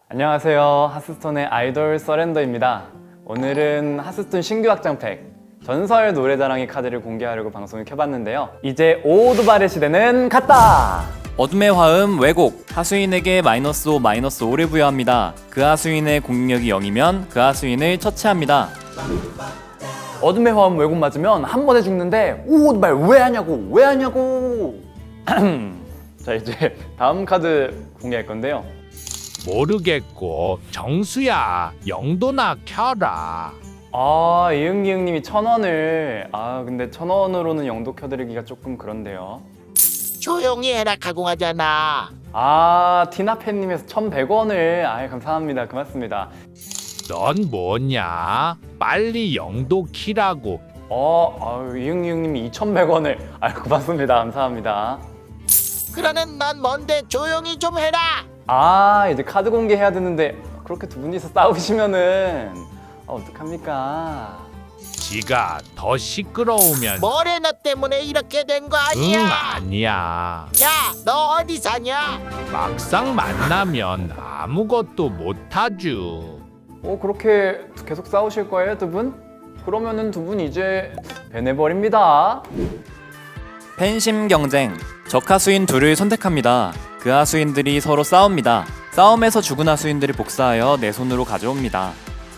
안녕하세요. 하스스톤의 아이돌 서렌더입니다. 오늘은 하스스톤 신규 확장팩 전설 노래자랑의 카드를 공개하려고 방송을 켜봤는데요. 이제 오두발의 시대는 갔다! 어둠의 화음 왜곡 하수인에게 -5, -5를 부여합니다. 그 하수인의 공격력이 0이면 그 하수인을 처치합니다. 어둠의 화음 왜곡 맞으면 한 번에 죽는데 오두발 왜 하냐고 왜 하냐고 자, 이제 다음 카드 공개할 건데요. 모르겠고 정수야 영도나 켜라. 이응기응님이 1000원을 근데 1000원으로는 영도 켜드리기가 조금 그런데요. 조용히 해라 가공하잖아. 티나팬님에서 1100원을 감사합니다. 고맙습니다. 넌 뭐냐? 빨리 영도 키라고. 이응기응님이 2100원을 고맙습니다. 감사합니다. 그러는 넌 뭔데 조용히 좀 해라. 이제 카드 공개해야 되는데 그렇게 두 분이서 싸우시면은 어떡합니까? 지가 더 시끄러우면 뭐래 너 때문에 이렇게 된 거 아니야? 아니야. 야, 너 어디 사냐? 막상 만나면 아무것도 못하죠. 그렇게 계속 싸우실 거예요, 두 분? 그러면은 두 분 이제 배내버립니다. 팬심 경쟁 적 하수인 둘을 선택합니다. 그 하수인들이 서로 싸웁니다. 싸움에서 죽은 하수인들을 복사하여 내 손으로 가져옵니다.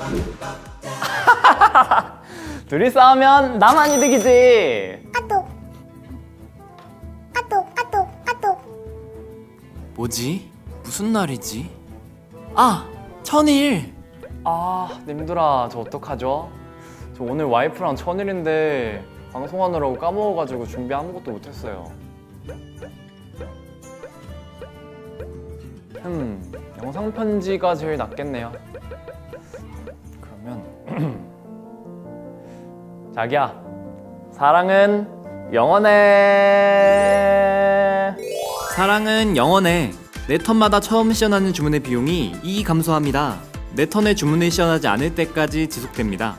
둘이 싸우면 나만 이득이지. 뭐지? 무슨 날이지? 천일! 님들아, 저 어떡하죠? 저 오늘 와이프랑 천일인데 방송하느라고 까먹어가지고 준비 아무것도 못했어요. 영상 편지가 제일 낫겠네요. 그러면 자기야, 사랑은 영원해. 사랑은 영원해. 내 턴마다 처음 시연하는 주문의 비용이 2 감소합니다. 내 턴에 주문을 시연하지 않을 때까지 지속됩니다.